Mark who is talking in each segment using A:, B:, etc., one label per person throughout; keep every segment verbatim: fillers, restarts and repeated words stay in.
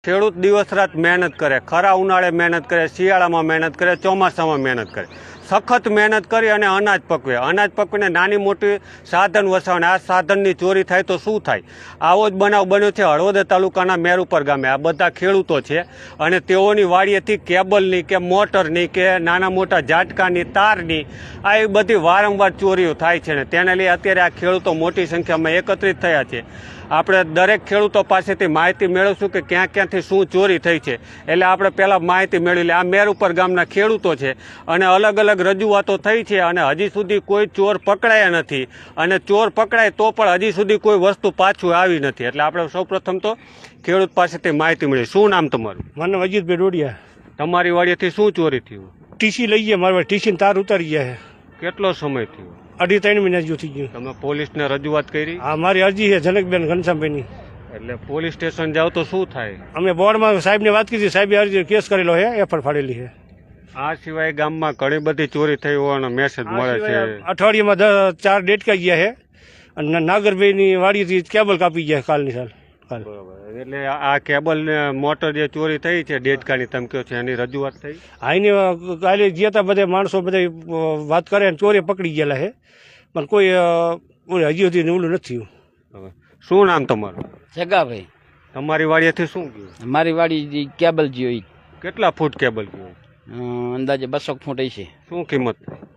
A: ખેડૂત દિવસ રાત મહેનત કરે, ખરા ઉનાળે મહેનત કરે, શિયાળામાં મહેનત કરે, ચોમાસામાં મહેનત કરે, સખત મહેનત કરી અને અનાજ પકવે. અનાજ પકવીને નાની મોટી સાધન વસાવે. આ સાધનની ચોરી થાય તો શું થાય? આવો જ બનાવ બન્યો છે હળવદ તાલુકાના મેરુપર ગામે. આ બધા ખેડૂતો છે અને તેઓની વાડીએથી કેબલની કે મોટરની કે નાના મોટા ઝાટકાની તારની આ એ બધી વારંવાર ચોરીઓ થાય છે ને તેને લઈ અત્યારે આ ખેડૂતો મોટી સંખ્યામાં એકત્રિત થયા છે. આપણે દરેક ખેડૂતો પાસેથી માહિતી મેળવશું કે ક્યાં ક્યાંથી શું ચોરી થઈ છે. એટલે આપણે પહેલાં માહિતી મેળવી લે. આ મેરુપર ગામના ખેડૂતો છે અને અલગ અલગ રજૂઆતો થઈ છે અને હજી સુધી કોઈ ચોર પકડાયા નથી અને ચોર પકડાય તો પણ હજી સુધી કોઈ વસ્તુ પાછું આવી નથી. એટલે આપણે સૌપ્રથમ તો ખેડૂત પાસેથી માહિતી મળી. શું નામ તમારું?
B: મને વજીતભાઈ ડોડિયા.
A: તમારી વાડીએથી શું ચોરી થયું?
B: ટીસી લઈ ગયા મારા ટીસી તાર ઉતારી ગયા.
A: કેટલો સમય થયો?
B: અઢી ત્રણ મહિના જેવું થઈ ગયું.
A: તમે પોલીસને રજૂઆત કરી?
B: હા, મારી અરજી છે જનકબેન ઘનશ્યામભાઈની.
A: એટલે પોલીસ સ્ટેશન જાવ તો શું થાય?
B: અમે બોર્ડમાં સાહેબને વાત કરી, સાહેબે અરજી કેસ કરેલો છે, એફઆઈઆર ફાડેલી છે.
A: આ સિવાય ગામમાં ઘણી બધી ચોરી થઈ હોવાનો મેસેજ મળે છે.
B: અઠવાડિયામાં ચાર ડેટકા ગયા છે અને નાગરભાઈની વાડીથી કેબલ કાપી ગયા કાલની સાલ.
A: બરોબર. એટલે આ કેબલ ને મોટર જે ચોરી થઈ છે ડેટકાની તમે કહો છો એની રજૂઆત થઈ?
B: હા, એની કાલે ગયા હતા બધા માણસો બધા વાત કરે અને ચોરી પકડી ગયેલા છે પણ કોઈ હજી સુધી ઓલું નથી થયું.
A: શું નામ તમારું?
C: જગાભાઈ.
A: તમારી વાડીએથી શું ગયું?
C: મારી વાડી કેબલ જોઈ.
A: કેટલા ફૂટ કેબલ ગયું?
C: અંદાજે બસો ફૂટ છે.
A: શું કિંમત?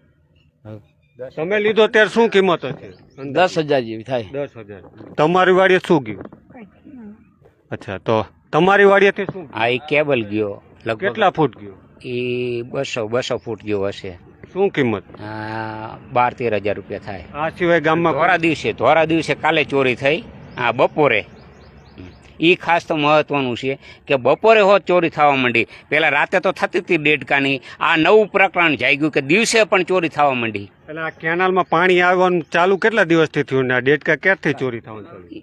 A: તમે લીધો ત્યારે શું કિંમત હતી?
C: દસ હજાર જેવી થાય.
A: દસ હજાર. તમારી વાડીએ શું ગયું? અચ્છા, તો તમારી વાડીએથી શું?
C: હા, એ કેબલ ગયો.
A: કેટલા ફૂટ ગયો?
C: એ બસો બસો ફૂટ જેવો હશે.
A: શું કિંમત?
C: બાર તેર હજાર રૂપિયા થાય.
A: આ સિવાય ગામમાં
C: ધોરા દિવસે ધોરા દિવસે કાલે ચોરી થઈ. હા, બપોરે. એ ખાસ તો મહત્વનું છે કે બપોરે હોત ચોરી થવા માંડી. પેલા રાતે તો થતી હતી ડેડકાની. આ નવું પ્રકરણ જાગ્યું કે દિવસે પણ ચોરી થવા માંડી.
A: એટલે આ કેનાલમાં પાણી આવવાનું ચાલુ કેટલા દિવસથી થયું ને આ ડેડકા ક્યારથી ચોરી થવાનું ચાલુ?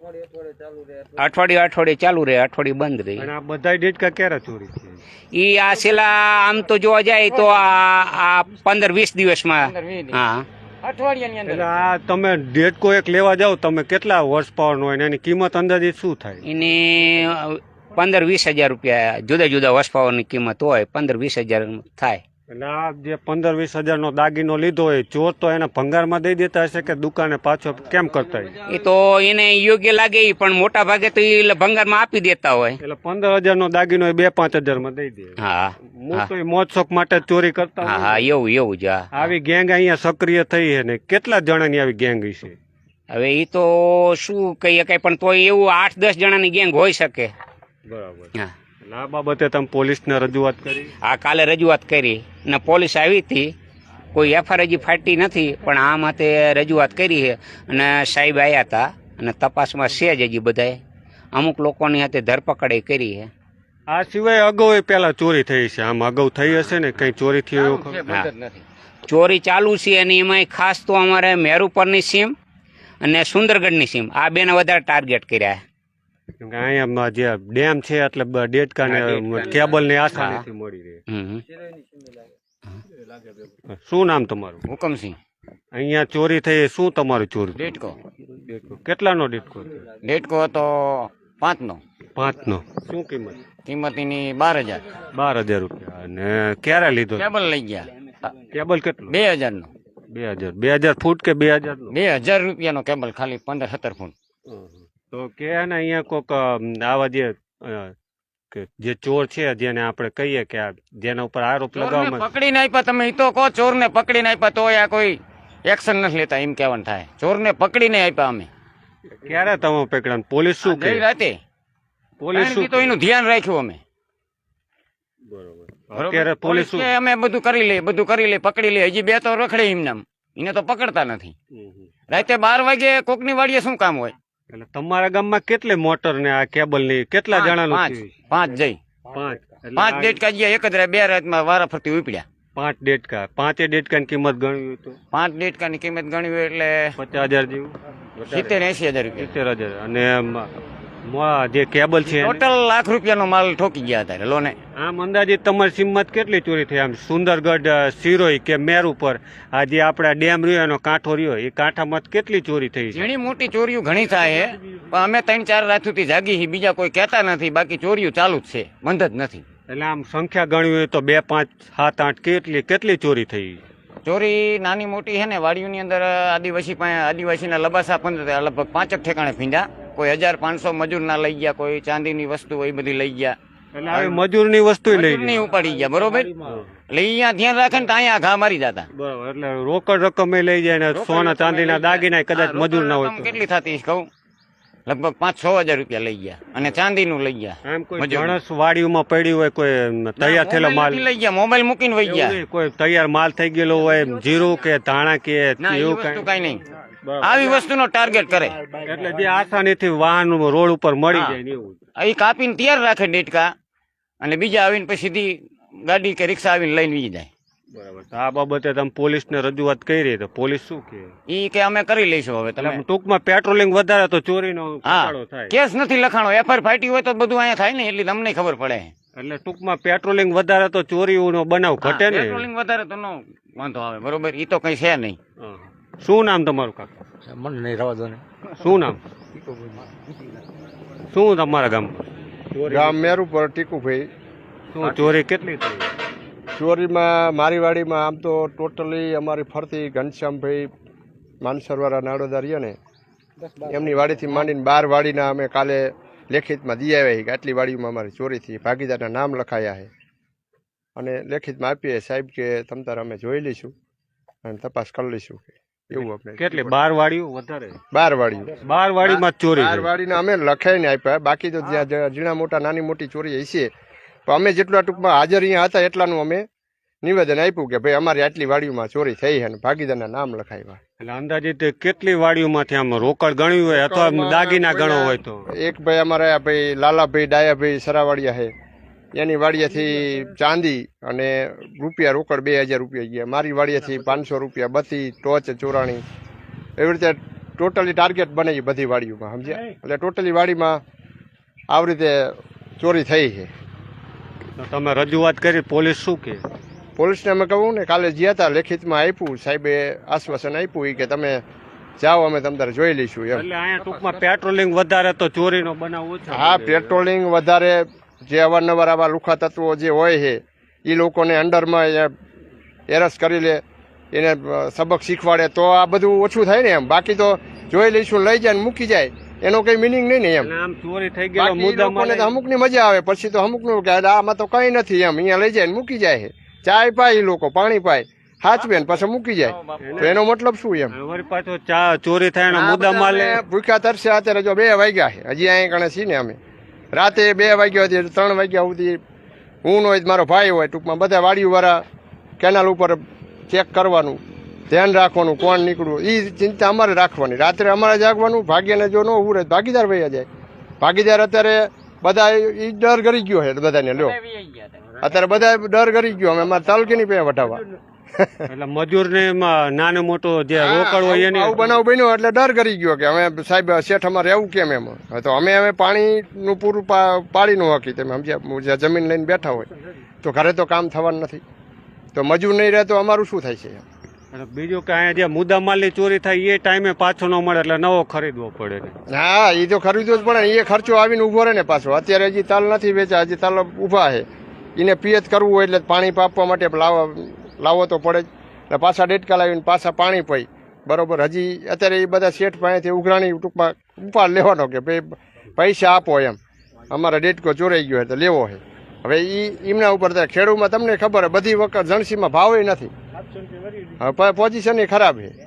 C: અઠવાડિયે અઠવાડિયે ચાલુ રહે, અઠવાડિયે બંધ રહે.
A: અને આ બધા ડેડકા ક્યારે ચોરી થઈ?
C: એ આ છેલ્લા આમ તો જોવા જાય તો આ પંદર વીસ દિવસમાં. હા, અઠવાડિયાની અંદર.
A: એટલે આ તમે ડેડકો એક લેવા જાવ તમે કેટલા હોર્સ પાવર નો હોય ને એની કિંમત અંદાજિત શું થાય?
C: એની પંદર વીસ હજાર રૂપિયા જુદા જુદા હોર્સ પાવરની કિંમત હોય. પંદર વીસ હજાર થાય.
A: એટલે આ જે પંદર વીસ હજાર નો દાગીનો લીધો હોય ચોર તો એને ભંગારમાં દઈ દેતા હશે કે દુકાને પાછો કેમ કરતા હોય?
C: એ તો એને યોગ્ય લાગે પણ મોટા ભાગે તો એ ભંગારમાં આપી દેતા હોય.
A: એટલે પંદર હજાર નો દાગીનો બે પાંચ હજાર માં દઈ દે.
C: હા,
A: મોટો મોજ શોખ માટે ચોરી કરતા.
C: હા હા, એવું એવું જ.
A: આવી ગેંગ અહીંયા સક્રિય થઈ છે ને કેટલા જણાની આવી ગેંગ છે?
C: હવે એ તો શું કહી શકાય પણ તો એવું આઠ દસ જણાની ગેંગ હોઈ શકે.
A: બરાબર. હા, આ બાબતે તમે પોલીસને રજૂઆત કરી?
C: હા, કાલે રજૂઆત કરી ને પોલીસ આવી હતી. કોઈ એફઆઈઆર હજી ફાટી નથી પણ આ માટે રજૂઆત કરી છે અને સાહેબ આવ્યા હતા અને તપાસમાં છે જ હજી બધાએ. અમુક લોકોની હાથે ધરપકડ કરી છે.
A: આ સિવાય અગાઉ પેલા ચોરી થઈ છે? આમ અગાઉ થઈ હશે ને કઈ ચોરી થઈ એવું?
C: ચોરી ચાલુ છે અને એમાં ખાસ તો અમારે મેરુપરની સીમ અને સુંદરગઢની સીમ આ બેને વધારે ટાર્ગેટ કર્યા.
A: અહીંયા જે ડેમ છે એટલે ડેડકા ને કેબલ ની આસાનીથી મળી રહે. શું નામ તમારું?
C: હુકમસિંહ.
A: અહીંયા ચોરી થઈ, શું તમારું ચોરી?
C: ડેટકો.
A: કેટલાનો ડેટકો?
C: ડેટકો હતો પાંચ નો.
A: પાંચ નો. શું કિંમત?
C: કિંમત એની બાર હજાર.
A: બાર હજાર રૂપિયા. અને ક્યારે લીધો?
C: કેબલ લઈ ગયા.
A: કેબલ કેટલું?
C: બે હજાર નો.
A: બે હજાર બે હજાર ફૂટ કે બે હજાર નો?
C: બે હજાર રૂપિયાનો કેબલ, ખાલી પંદર સત્તર ફૂટ.
A: તો કે ને અહીંયા કોક આવા જે જે ચોર છે જેને આપણે કહીએ કે જેના ઉપર આરોપ લગાવવામાં
C: પકડીને આપ્યા. તમે તો કહો ચોર ને પકડીને આપ્યા તો આ કોઈ એક્શન નથી લેતા એમ કહેવાનું થાય. ચોર ને પકડીને આપ્યા અમે.
A: ક્યારે તમે પકડ્યા? પોલીસ શું કહે?
C: રાતે પોલીસ શું તો એનું ધ્યાન રાખ્યું અમે.
A: બરોબર. અત્યારે પોલીસ
C: અમે બધું કરી લે બધું કરી લે પકડી લે. હજી બે તો રખડે એમને, એને તો પકડતા નથી. રાતે બાર વાગે કોકની વાડીએ શું કામ હોય?
A: એટલે તમારા ગામમાં કેટલી મોટર ને આ કેબલ ની કેટલા જણા?
C: પાંચ જઈ
A: પાંચ
C: પાંચ ડેટકા ગયા એક જ બે રાતમાં વારા ફરતી ઉપડ્યા.
A: પાંચ ડેટકા. પાંચે ડેટકા ની કિંમત ગણવી તો
C: પાંચ ડેટકા ની કિંમત ગણવી એટલે
A: પચાસ હજાર જેવું.
C: સિત્તેર એસી હજાર રૂપિયા.
A: સિત્તેર હજાર. અને મ- જે કેબલ છે એને?
D: ટોટલ લાખ રૂપિયાનો માલ ઠોકી ગયા હતા લોને.
A: આમ અંદાજિત તમારી સિમત કેટલી ચોરી થઈ આમ સુંદરગઢ અ, સિરોઈ કે મેર ઉપર આ જે આપણા ડેમ રહ્યો એનો કાંઠો રહ્યો એ કાંઠામાં કેટલી ચોરી થઈ છે?
D: ઝીણી મોટી ચોરીઓ ઘણી થાય છે પણ અમે ત્રણ ચાર રાતથી જાગી છીએ, બીજા કોઈ કહેતા નથી, બાકી ચોરીઓ ચાલુ જ છે, બંધ જ નથી.
A: એટલે આમ સંખ્યા ગણવી હોય તો બે પાંચ સાત આઠ કેટલી કેટલી ચોરી થઈ?
D: ચોરી નાની મોટી છે ને વાડીઓની અંદર આદિવાસી પાસે આદિવાસીના લબાસા પંદર લગભગ પાંચક ઠેકાણે ફીંડા, કોઈ હજાર પાંચસો મજૂરના લઈ ગયા, કોઈ ચાંદીની વસ્તુ એ બધી લઈ ગયા,
A: એટલે આવી મજૂરની વસ્તુ લઈ
D: મજૂરની ઉપાડી ગયા. બરોબર, એટલે અહીંયા ધ્યાન રાખે ને તો અહીંયા ઘા મારી જતા.
A: બરાબર, એટલે રોકડ રકમ એ લઈ જાય ને સોના ચાંદીના દાગીના કદાચ મજૂર ના હોય
D: રકમ
A: તો
D: કેટલી થતી કહું, લગભગ પાંચ છ હજાર રૂપિયા લઈ ગયા અને ચાંદીનું લઈ ગયા.
A: આમ કોઈ
D: મજૂર.
A: માણસ વાડીઓમાં પડી હોય કોઈ તૈયાર થયેલો માલ
D: મોબાઈલ લઈ ગયા, મોબાઈલ મૂકીને વહી
A: એવું
D: ગયા.
A: નહીં, કોઈ તૈયાર માલ થઈ ગયેલો હોય જીરું કે ધાણા કે
D: ના એ
A: એવું
D: વસ્તુ
A: કઈ
D: કઈ નહીં, આવી વસ્તુનો ટાર્ગેટ કરે.
A: એટલે જે આસાનીથી વાહન રોડ ઉપર મળી
D: હા.
A: જાય ને એવું.
D: એ કાપીને તૈયાર રાખે ડેટકા અને બીજા આવીને પછી સીધી ગાડી કે રિક્ષા આવીને લઈને વી જાય.
A: બરાબર, તો આ બાબતે તમે પોલીસને રજૂઆત કરી તો પોલીસ શું કહે?
D: ઈ કે અમે કરી લઈશું હવે
A: એટલે
D: તમે.
A: ટૂંકમાં પેટ્રોલિંગ વધારે તો ચોરીનો
D: હા
A: ઘટાડો થાય.
D: કેસ નથી લખાણો, એફઆઈઆર ફાટી હોય તો બધું અહીંયા થાય ને, એટલે તમને ખબર પડે.
A: એટલે ટૂંકમાં પેટ્રોલિંગ વધારે તો ચોરીનો બનાવ
D: હા,
A: ઘટે ને.
D: પેટ્રોલિંગ વધારે તો નો વાંધો આવે. બરોબર, ઈ તો કઈ છે નહીં.
A: હા. શું નામ તમારું કાકા?
B: મને નહીં રવા દો ને.
A: શું નામ? શું તમારા ગામ
E: ગામ મેરુ પર ટીકુભાઈ.
A: શું ચોરી કેટલી થઈ?
E: ચોરીમાં મારી વાડીમાં આમ તો ટોટલી અમારી ફરતી ઘનશ્યામભાઈ માનસરવાળા નાડોદા રહ્યા ને એમની વાડીથી માંડીને બાર વાડીના અમે કાલે લેખિતમાં દી આવ્યા છીએ કે આટલી વાડીમાં અમારી ચોરી થઈ, ભાગીદારના નામ લખાયા છે અને લેખિતમાં આપીએ સાહેબ કે તમ તારે અમે જોઈ લઈશું અને તપાસ કરી લઈશું કે એવું આપણે.
A: કેટલી બાર વાડીઓ વધારે?
E: બાર વાડીઓ.
A: બાર વાડીમાં જ ચોરી
E: બાર
A: થઈ.
E: વાડીના અમે લખાઈને આપ્યા, બાકી તો જ્યાં જ્યાં ઝીણા મોટા નાની મોટી ચોરી હશે પણ અમે જેટલા ટૂંકમાં હાજર અહીંયા હતા એટલાનું અમે નિવેદન આપ્યું કે ભાઈ અમારી આટલી વાડીઓમાં ચોરી થઈ છે અને ભાગીદારના નામ લખાવ્યા.
A: એટલે અંદાજિત કેટલી વાડીઓમાંથી આમ રોકડ ગણ્યું હોય અથવા દાગીના ગણો હોય તો?
E: એક ભાઈ અમારા ભાઈ લાલાભાઈ ડાયાભાઈ સરાવાડિયા છે એની વાડીએથી ચાંદી અને રૂપિયા રોકડ બે હજાર રૂપિયા ગયા, મારી વાડીએથી પાંચસો રૂપિયા બત્તી ટોચ ચોરાણી એવી રીતે ટોટલી ટાર્ગેટ બને બધી વાડીઓમાં સમજ્યા. એટલે ટોટલી વાડીમાં આવી રીતે ચોરી થઈ છે.
A: તો તમે રજૂઆત કરી, પોલીસ શું કહે?
E: પોલીસને અમે કહું ને કાલે જ્યાં હતા લેખિતમાં આપ્યું, સાહેબે આશ્વાસન આપ્યું કે તમે જાઓ અમે તમારે જોઈ લઈશું એમ.
A: એટલે અહીંયા ટૂંકમાં પેટ્રોલિંગ વધારે તો ચોરીનો બનાવ ઓછો.
E: હા, પેટ્રોલિંગ વધારે, જે અવારનવાર આવા લુખા તત્વો જે હોય છે એ લોકોને અંડરમાં એરસ કરી લે, એને સબક શીખવાડે તો આ બધું ઓછું થાય ને એમ. બાકી તો જોઈ લઈશું લઈ જાય ને મૂકી જાય એનો કઈ મિનિંગ નહીં ને એમ.
A: આમ ચોરી થઈ ગયેલો
E: બાકી ઈ
A: મુદ્દા
E: લોકોને તો અમુકની મજા આવે, પછી તો અમુકનું કે આમાં તો કઈ નથી એમ, અહીંયા લઈ જાય ને મૂકી જાય છે. ચાય પાય ઈ લોકો, પાણી પાય, હાચવે ને પાછા મૂકી જાય, તો એનો મતલબ શું એમ.
A: વળી પાછો ચા ચોરી થાય એનો મુદ્દા
E: આ
A: માલ
E: બધા અમે ભૂખ્યા તરસે અત્યારે જો બે વાગ્યા છે, હજી અહીંયા કણે છીએ ને અમે. રાતે બે વાગ્યા સુધી ત્રણ વાગ્યા સુધી હું હોય મારો ભાઈ હોય, ટૂંકમાં બધા વાડીવાળા કેનાલ ઉપર ચેક કરવાનું, ધ્યાન રાખવાનું કોણ નીકળવું, એ ચિંતા અમારે રાખવાની. રાત્રે અમારે જાગવાનું, ભાગ્યને જો ન ઉભું રહે ભાગીદાર વયા જાય. ભાગીદાર અત્યારે બધા એ ડર કરી ગયો છે બધાને. લ્યો અત્યારે બધા ડર કરી ગયો, અમે અમારે તાલુકાની પે વટાવવા.
A: એટલે મજૂર ને નાનો મોટો જે રોકડ હોય એની
E: આવું બનાવ બન્યો એટલે ડર કરી ગયો કે અમે સાહેબ શેઠ અમારે એવું કેમ એમ. હવે તો અમે અમે પાણીનું પૂરું પાડી નું હકી, તમે સમજ્યા. જમીન લઈને બેઠા હોય તો ઘરે તો કામ થવાનું નથી, તો મજૂર નહીં રહે તો અમારું શું થાય છે.
A: અને બીજું કે અહીંયા જે મુદ્દા માલની ચોરી થાય એ ટાઈમે પાછો ન મળે એટલે નવો ખરીદવો પડે ને.
E: હા, એ તો ખરીદવો જ પડે ને, એ ખર્ચો આવીને ઉભો રહે ને પાછો. અત્યારે હજી તાલ નથી વેચા, હજી તાલ ઊભા છે, એને પિયત કરવું હોય એટલે પાણી પાપવા માટે લાવવા લાવવો તો પડે જ ને. પાછા ડેટકા લાવીને પાછા પાણી પી બરોબર. હજી અત્યારે એ બધા શેઠ પાસેથી ઉઘરાણી ટૂંકમાં ઉપાડ લેવાનો કે ભાઈ પૈસા આપો એમ, અમારા ડેટકો ચોરાઈ ગયો તો લેવો છે. હવે એ એમના ઉપર ખેડૂતમાં તમને ખબર હોય બધી વખત જણસીમાં ભાવે નથી, હવે પોઝિશન એ ખરાબ છે.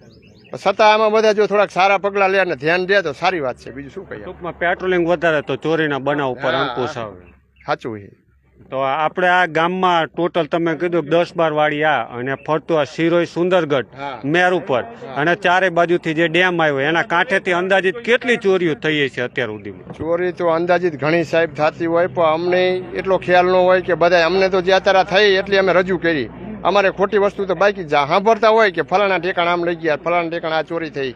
E: છતાં આમાં બધા જો થોડાક સારા પગલાં લે અને ધ્યાન દે તો સારી વાત છે. બીજું શું કહીએ.
A: ટૂંકમાં પેટ્રોલિંગ વધારે તો ચોરીના બનાવ ઉપર અંકુશ આવે.
E: સાચું છે.
A: તો આપણે આ ગામમાં ટોટલ તમે કીધું કે દસ બાર વાડી આ અને ફરતું આ સિરોઈ સુંદરગઢ મેર ઉપર અને ચારે બાજુથી જે ડેમ આવ્યો એના કાંઠેથી અંદાજિત કેટલી ચોરીઓ થઈ છે અત્યાર સુધીમાં?
E: ચોરી તો અંદાજિત ઘણી સાહેબ થતી હોય, પણ અમને એટલો ખ્યાલ ન હોય કે બધા અમને તો જે અત્યારે થઈ એટલી અમે રજૂ કરી. અમારે ખોટી વસ્તુ તો બાકી સાંભળતા હોય કે ફલાણા ઠેકાણા આમ લઈ ગયા, ફલાણા ઠેકાણા આ ચોરી થઈ,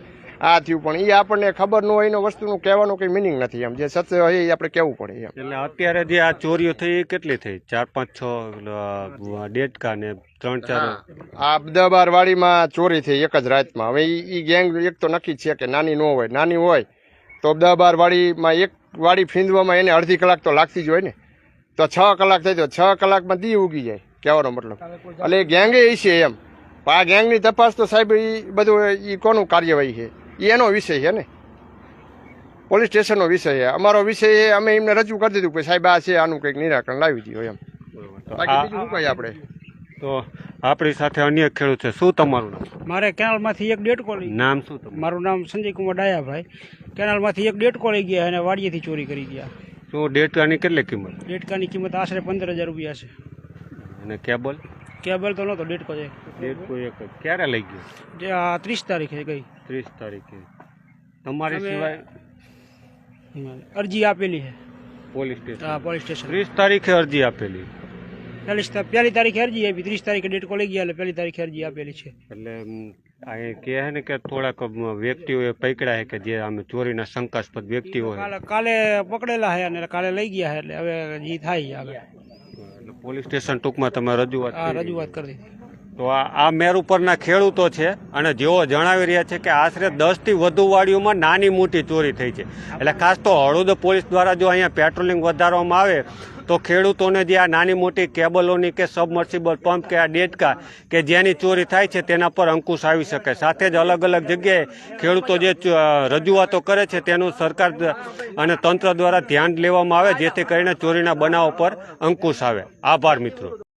E: આ થયું, પણ એ આપણને ખબર ન હોય એનો વસ્તુનું કહેવાનો કંઈ મિનિંગ નથી. એમ જે સત્ય હોય એ આપણે કહેવું પડે એમ.
A: એટલે અત્યારે જે આ ચોરીઓ થઈ એ કેટલી થઈ? ચાર પાંચ છ અ, ડેટકા ને ત્રણ ચાર.
E: આ દસ બાર વાડીમાં ચોરી થઈ એક જ રાતમાં. હવે એ ગેંગ એક તો નક્કી જ છે કે નાની ન હોય. નાની હોય તો દસ બાર વાડીમાં એક વાડી ફીંદવામાં એને અડધી કલાક તો લાગતી જ હોય ને. તો છ કલાક થઈ તો છ કલાકમાં દી ઉગી જાય, કહેવાનો મતલબ. એટલે એ ગેંગે એ છે એમ. પણ આ ગેંગની તપાસ તો સાહેબ એ બધું એ કોનું કાર્યવાહી છે એ એનો વિષય છે ને, પોલીસ સ્ટેશનનો વિષય છે. અમારો વિષય એ અમે એમને રજૂ કરી દીધું કે સાહેબ આ છે, આનું કંઈક નિરાકરણ લાવી દો એમ. બાકી બીજું શું કહીએ આપણે.
A: તો આપણી સાથે અન્ય ખેડૂત છે. શું તમારું નામ?
B: મારે કેનાલમાંથી એક ડેટકો લઈ
A: નામ શું તમારું?
B: મારું નામ સંજય કુમાર ડાયાભાઈ. કેનાલમાંથી એક ડેટકો લઈ ગયા અને વાડીએથી ચોરી કરી ગયા.
A: શું ડેટકાની કેટલી કિંમત?
B: ડેટકાની કિંમત આશરે પંદર હજાર રૂપિયા છે.
A: અને કેબલ?
B: કેબલ તો નહોતો, ડેટકો છે.
A: ડેટકો એક જ. ક્યારે લઈ ગયો?
B: જે આ ત્રીસ તારીખે ગઈ.
A: ત્રીસ તારીખે. તમારી
B: અમે-
A: સિવાય
B: અરજી આપેલી છે
A: પોલીસ સ્ટેશન
B: હા પોલીસ સ્ટેશન.
A: ત્રીસ તારીખે અરજી આપેલી.
B: પહેલી પહેલી તારીખે અરજી આપી, ત્રીસ તારીખે ડેટકો લઈ ગયા એટલે પહેલી તારીખે અરજી આપેલી છે.
A: એટલે અમ, અહીં કહે છે ને કે થોડાક અમ, વ્યક્તિઓએ પકડ્યા છે કે જે આમે ચોરીના શંકાસ્પદ વ્યક્તિઓ છે.
B: કાલે કાલે પકડેલા છે અને કાલે લઈ ગયા છે એટલે હવે જે થાય આગળ
A: એટલે પોલીસ સ્ટેશન ટૂંકમાં તમે રજૂઆત
B: આ
A: કરી.
B: રજૂઆત કરી દીધી.
A: તો આ આ મેર ઉપરના ખેડૂતો છે અને જેઓ જણાવી રહ્યા છે કે આશરે દસ થી વધુ વાડીઓમાં નાની મોટી ચોરી થઈ છે. એટલે ખાસ તો હળવદ પોલીસ દ્વારા જો અહીંયા પેટ્રોલિંગ વધારવામાં આવે તો ખેડૂતોને જે આ નાની મોટી કેબલોની કે સબમર્સિબલ પંપ કે આ ડેટકા કે જેની ચોરી થાય છે તેના પર અંકુશ આવી શકે. સાથે જ અલગ અલગ જગ્યાએ ખેડૂતો જે ચ- રજૂઆતો કરે છે તેનું સરકાર દ- અને તંત્ર દ્વારા ધ્યાન લેવામાં આવે જેથી કરીને ચોરીના બનાવો પર અંકુશ આવે. આભાર મિત્રો.